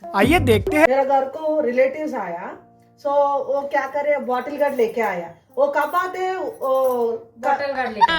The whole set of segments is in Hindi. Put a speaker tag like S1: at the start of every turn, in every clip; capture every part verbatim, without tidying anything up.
S1: आइए देखते हैं।
S2: मेरा घर को रिलेटिव्स आया, सो वो क्या करे, बॉटल गार्ड लेके आया। वो कब आते
S3: बॉटल गार्ड लेके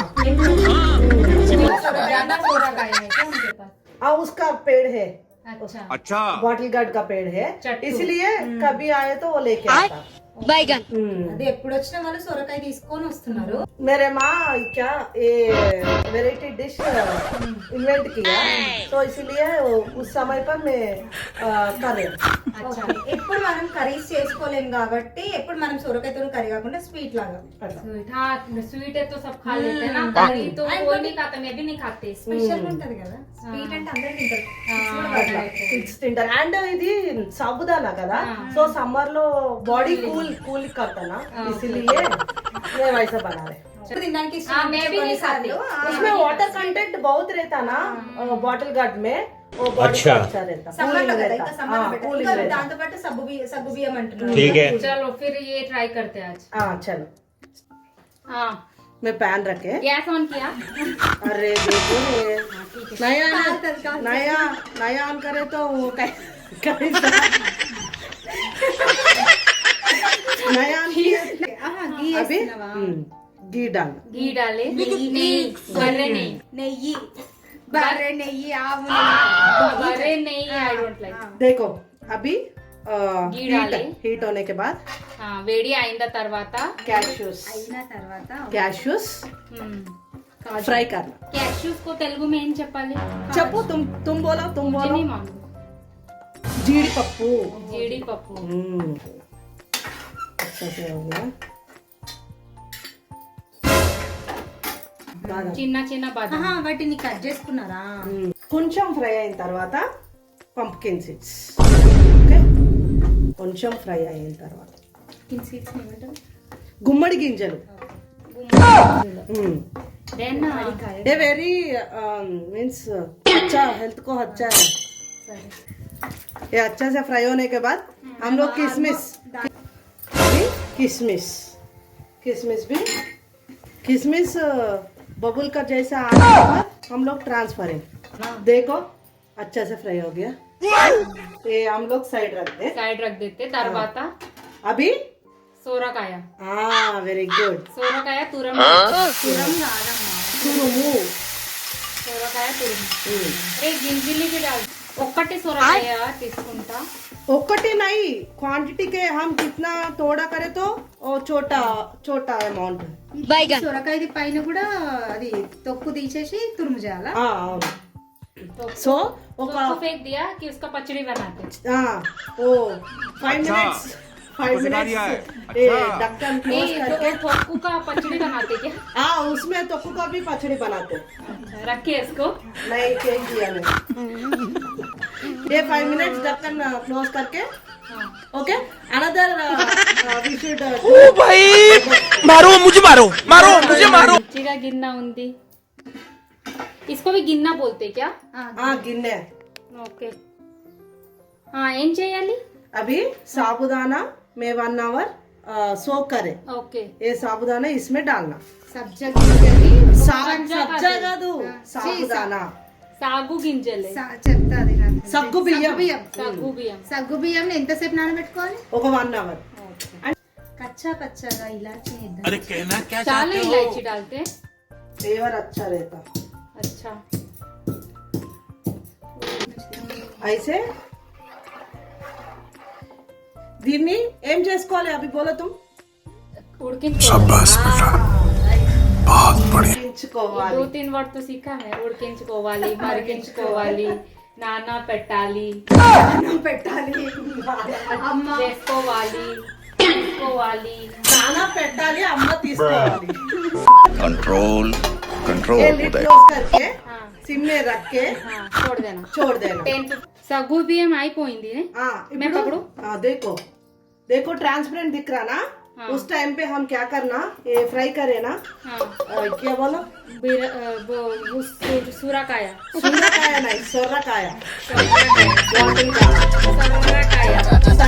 S3: ज्यादा सोरा का है क्या उनके पास?
S2: हाँ, उसका पेड़ है।
S3: अच्छा
S4: अच्छा
S2: बॉटल गार्ड का पेड़ है,
S3: चट्टू।
S2: इसलिए कभी आए तो वो लेके आता।
S5: बैगन
S3: అదే ఎప్పుడు వచ్చినా వాళ్ళు సొరకాయ తీసుకొని వస్తున్నారు.
S2: मेरे माँ क्या ये वेराइटी डिश इन्वेंट किया, तो इसलिए वो- उस समय पर मैं आ, कर रही हूँ।
S3: అచ్చా ఎప్పుడు మనం కర్రీస్ చేసుకోలేం కాబట్టి ఎప్పుడు మనం సొరకాయతో కర్రీ కాకుండా స్వీట్ లాగా
S6: स्वीट हाँ स्वीट है तो सब खा लेते हैं ना करी तो कोई नहीं खाता मैं भी नहीं खाती
S3: స్పెషల్ ఉంటది కదా. స్వీట్ అంటే అందరూ తింటారు.
S2: కిడ్స్ తింటారు. అండ్ ఇది సాబుదానా కదా, సో సమ్మర్ లో బాడీ కూల్ కూల్ करता इसीलिए मैं वैसा बना रहे।
S3: తినడానికి
S6: हाँ मैं भी नहीं खाती
S2: उसमें वाटर कंटेंट बहुत रहता ना बॉटल गार्ड में, वो बॉडी
S7: अच्छा।
S2: को अच्छा रहता,
S3: సమ్మర్
S2: कूलिंग
S3: లో కదా,
S2: रहता।
S3: ఇంకా సమ్మర్
S2: हाँ,
S3: లో పెట్టారు.
S2: कूलिंग
S3: ఇంకా
S2: रहता।
S3: దాంతో పాటు సగ్గు బియ్యం సగ్గు బియ్యం అంటున్నారు.
S7: ठीक है
S6: चलो फिर ये ट्राई करते हैं आज
S2: हाँ चलो,
S6: हाँ
S2: मैं पैन रखे।
S6: गैस ऑन किया
S2: अरे देखो ये नया नया नया ऑन करे तो वो कै- कैसा नया ऑन किया।
S3: ఆహా, గీ
S2: अभी
S3: వేస్తున్నావా?
S2: हम्म, घी डाल।
S6: घी डाले नहीं बर्रे नहीं
S3: నెయ్యి, బర్రె నెయ్యి, ఆవు
S6: बर्रे नहीं आई डोंट लाइक
S2: देखो अभी
S6: घी
S2: हीट
S6: डाले।
S2: हीट होने के बाद
S6: हाँ వేడి అయిన తర్వాత
S2: कैश्यूस
S3: అయిన తర్వాత
S2: कैश्यूस फ्राई करना।
S6: క్యాష్యూస్ को తెలుగు में ఏం చెప్పాలి
S2: चप्पू तुम तुम बोलो तुम
S6: मुझे
S2: बोलो।
S6: नहीं मालूम
S2: जीडीपप्पू।
S6: జీడిపప్పు
S2: हम्म, अच्छा से हो गया। బాదం.
S6: చిన్న చిన్న బాదం
S3: ఆహా, వాటిని కట్ చేసుకున్నారా?
S2: మ్మ్. కొంచెం ఫ్రై అయిన తర్వాత పంప్కిన్ సీడ్స్, ఓకే, కొంచెం ఫ్రై అయిన తర్వాత
S3: కిన్ సీడ్స్ ఏమంటారు?
S2: గుమ్మడి గింజలు। మ్మ్.
S6: దెన్
S2: ये वेरी मीन्स अच्छा, हेल्थ को अच्छा है। ये अच्छा से फ्राई होने के बाद हम लोग किशमिश, अभी किशमिश किशमिश भी किशमिश बबुल का जैसा आने के बाद हम लोग ट्रांसफरिंग, देखो अच्छा से फ्राई हो गया। ये हम लोग साइड रखते हैं।
S6: సైడ్ రख देते తర్వాత
S2: अभी
S6: సోరకాయ
S2: हाँ वेरी गुड,
S6: సోరకాయ తురం
S3: తురం కాదమ్మా.
S2: तुरुमु।
S6: సోరకాయ తురుము ఏ గింజిలికి రాదు ఒక్కటి సొరకాయ తీసుకుంటా
S2: ఒక్కటి नहीं, क्वांटिटी के हम कितना थोड़ा करे तो वो छोटा छोटा अमाउंट।
S5: बैगन
S3: సొరకాయది పైన కూడా అది తొక్కు తీసేసి తురుము చేయాలా?
S2: हाँ అవును।
S6: तो
S2: సో
S6: तो
S2: ఒక
S6: उसको फेंक दिया कि उसका पचड़ी बनाते
S2: हाँ वो फाइव
S4: अच्छा,
S2: मिनट्स फाइव
S4: आपको सिखा दिया है।
S2: मिनट्स ये
S4: अच्छा।
S2: ढक्कन क्लोज
S6: नहीं तो
S2: करके,
S6: थोक्कू का पचड़ी बनाते क्या
S2: हाँ उसमें तोक्कू का भी पचड़ी बनाते हैं।
S6: रखिए इसको
S2: नहीं चेंज किया मैंने। ये फाइव मिनट्स ढक्कन क्लोज करके,
S6: हाँ
S2: ओके, अनदर वी शुड
S1: भाई मारो मुझे मारो मारो मुझे मारो।
S6: मिर्ची का गिन्ना उंदी इसको भी गिन्ना बोलते क्या
S2: हाँ गिन्ने।
S6: ओके हाँ ఏం చేయాలి
S2: अभी साबुदाना में वन आवर सोक करे,
S6: ओके
S2: ये साबुदाना इसमें डालना।
S3: సబ్జా గింజలు
S2: सा- सब्जा का दो साबुदाना,
S6: సాగు గింజలే
S3: చెప్తా అది నాకు.
S2: సగ్గు బియ్యం,
S3: బియ్యం
S6: సాగు బియ్యం
S3: సగ్గు బియ్యం ఎంతసేపు నానబెట్టుకోవాలి?
S2: ఒక వన్ అవర్।
S3: కచ్చా పచ్చగా ఇలాచి వేద్దాం.
S1: अरे कहना क्या
S6: चालू इलायची डालते
S2: फ्लेवर अच्छा रहता।
S6: अच्छा
S2: ऐसे దీన్ని ఏం చేసుకోవాలి అవి బోలో తుమ్? ఉడికించుకోవాలి।
S6: दो तीन वर्ड तो सीखा है ఉడికించుకోవాలి మరిగించుకోవాలి నానా పెట్టాలి
S3: అన్నం పెట్టాలి, అమ్మ
S6: చేసుకోవాలి తీసుకోవాలి
S2: నానా పెట్టాలి, అమ్మ తీసుకోవాలి।
S4: कंट्रोल कंट्रोल
S2: ये लिड क्लोज करके
S6: हाँ
S2: सिम में रख के
S6: हाँ छोड़ देना
S2: छोड़ देना।
S6: టెన్ సగ్గు బియ్యం అయిపోయింది
S2: हाँ
S6: मैं पकड़ू?
S2: हाँ देखो देखो ट्रांसपेरेंट दिख रहा ना,
S6: हाँ।
S2: उस टाइम पे हम क्या करना, ये फ्राई करे ना,
S6: हाँ
S2: अ, क्या बोलो,
S6: बिर- अ, वो- वो सू- सूराकाया
S2: सुरकाया नहीं सोरकाया,
S6: సొరకాయ
S2: सोरकाया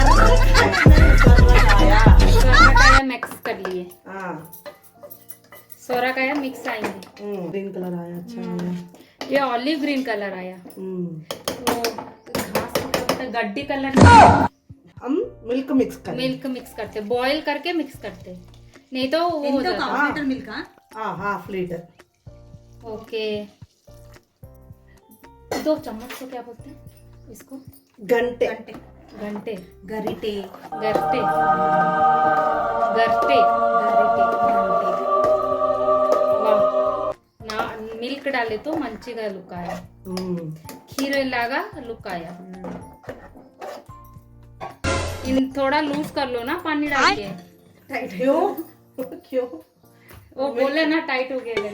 S6: సొరకాయ మిక్స్ कर लिए
S2: हाँ।
S6: సొరకాయ మిక్స్ అయింది
S2: ग्रीन कलर आया, अच्छा आया।
S6: ये ऑलिव ग्रीन कलर आया
S2: हम्म,
S6: वो घास का ऐसा गड्डी कलर
S2: हम मिल्क मिक्स करें।
S6: मिल्क मिक्स करते, बॉईल करके मिक्स करते, नहीं तो वो हो जाता।
S3: हाफ लीटर मिल्क
S2: हाँ हाफ लीटर।
S6: ओके, दो चम्मच को क्या बोलते हैं इसको?
S2: घंटे
S3: घंटे
S6: घंटे,
S3: गरिटे
S6: गरटे, गरटे,
S3: गरिटे
S6: वाह ना मिल्क डाले तो మంచిగా లుక్ आया, खीर लागा लुक आया। इन थोड़ा लूज कर लो ना पानी डाल के।
S3: टाइट
S2: क्यों क्यों?
S6: वो बोले ना टाइट हो गया।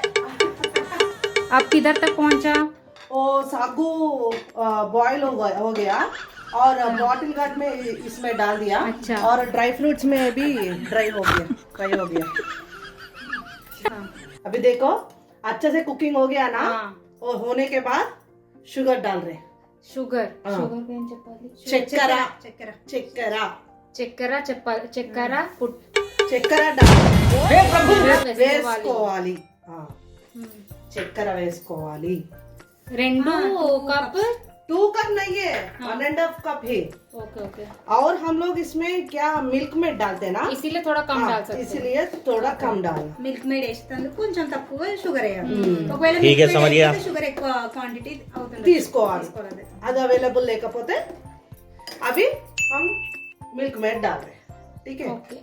S6: अब किधर तक पहुंचा?
S2: वो सागू बॉईल हो गया हो गया और बॉटल गार्ड में इसमें डाल दिया।
S6: अच्छा।
S2: और ड्राई फ्रूट्स में भी ड्राई हो गया, फ्राई हो गया।
S6: हाँ।
S2: अभी देखो अच्छे से कुकिंग हो गया ना।
S6: हाँ।
S2: और होने के बाद शुगर डाल रहे,
S6: షుగర్
S2: हाँ।
S6: షుగర్ ఏం చెప్పాలి?
S2: चक्करा
S3: चक्कर
S2: चक्करा
S6: చక్కెర చెప్పాలి, చక్కెర పుట్
S2: చక్కెర डाल
S6: వేసుకోవాలి.
S2: వేసుకోవాలి। हाँ,
S6: हम्म।
S2: చక్కెర వేసుకోవాలి।
S6: రెండు कप।
S2: टू कप नहीं है, वन एंड हाफ कप है।
S6: ओके ओके,
S2: और हम लोग इसमें क्या मिल्क में डालते हैं ना,
S6: इसीलिए थोड़ा कम
S2: हाँ,
S6: डाल सकते हैं।
S2: इसलिए थोड़ा कम डालना।
S3: మిల్క్ మేడ్ వేసేందుకు కొంచెం తక్కువ షుగర్ వేయాలి। ఒకవేళ
S5: ठीक है,
S3: milk
S5: समझ
S3: maid
S5: गया।
S3: వేస్తే షుగర్ ఎక్కువ క్వాంటిటీ అవుతుంది,
S2: తీసుకోవాలి।
S3: తీసుకోవాలి।
S2: అది అవైलेबल లేకపోతే अभी हम मिल्क मेड डाल रहे हैं, ठीक है।
S6: ఓకే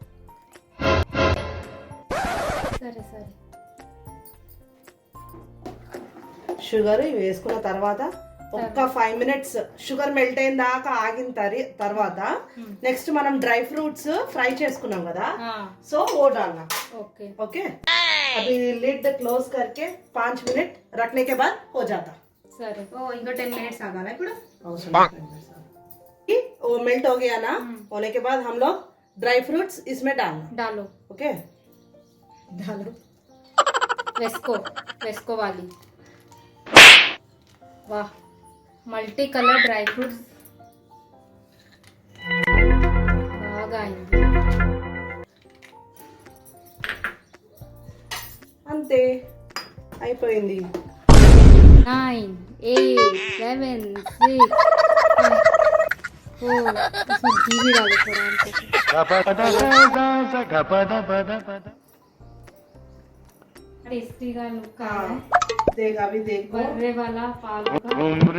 S6: సరే సరే,
S2: షుగర్ వేసుకున్న తర్వాత ఒక్క ఫైవ్ మినిట్స్ షుగర్ మెల్ట్ అయిన దాకా ఆగిన తరి తర్వాత నెక్స్ట్ మనం డ్రై ఫ్రూట్స్ ఫ్రై చేసుకున్నాం కదా,
S6: हाँ
S2: సో वो डालना।
S6: ओके
S2: ओके, अभी लिड क्लोज करके पाँच मिनट रखने के बाद हो जाता।
S6: సరే।
S3: ఓ ఇంకో టెన్ మినిట్స్ ఆగాల ఇప్పుడు।
S2: कि वो मेल्ट हो गया ना, होने के बाद हम लोग ड्राई फ्रूट्स इसमें डालना।
S6: डालो,
S2: ओके,
S3: डालो।
S6: వేసుకో వేసుకోవాలి। वाह, మల్టీ కలర్ డ్రై ఫ్రూట్స్ బాగా అయింది।
S2: అంతే అయిపోయింది।
S6: Nine eight seven six four, इसमें घी भी डालो थोड़ा टेस्टी का लुक आ रहा है।
S2: देख अभी देखो,
S6: बर्रे वाला पाल का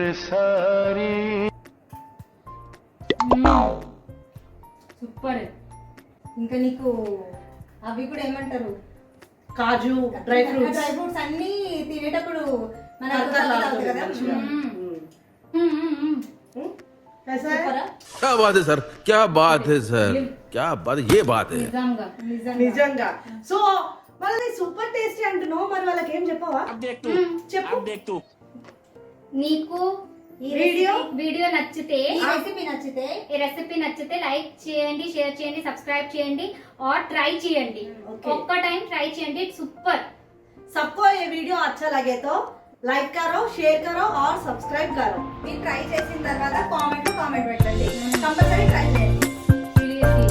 S6: సూపర్।
S3: ఇంకా నీకు అవి కూడా ఏమంటారు,
S2: కాజు డ్రై ఫ్రూట్స్
S3: డ్రై ఫ్రూట్స్ అన్ని తినేటప్పుడు మన
S2: కరకరలాడుతుంది
S3: కదా।
S2: మంచిగా। कैसा है?
S3: సూపరా?
S1: क्या बात है सर, क्या बात है सर, क्या बात है, ये बात है।
S6: నిజంగా
S3: నిజంగా
S2: నిజంగా। సో వాళ్ళది సూపర్ టేస్టీ అంటున్నావు, మరి వాళ్ళకి ఏం చెప్పవా? చెప్పు।
S6: నీకు
S3: ఈ
S2: వీడియో
S6: వీడియో నచ్చితే,
S3: ఈ రెసిపీ నచ్చితే
S6: ఈ రెసిపీ నచ్చితే లైక్ చేయండి, షేర్ చేయండి, సబ్స్క్రైబ్ చేయండి और ట్రై చేయండి।
S2: Okay.
S6: ఒక్క టైం ట్రై చేయండి, సూపర్।
S2: सबको ये वीडियो अच्छा लगे तो लाइक करो, शेयर करो और सब्सक्राइब करो।
S3: మీరు ట్రై చేసిన తర్వాత కామెంట్ లో కామెంట్ పెట్టండి, కంపల్సరీ ట్రై చేయండి।
S6: Seriously.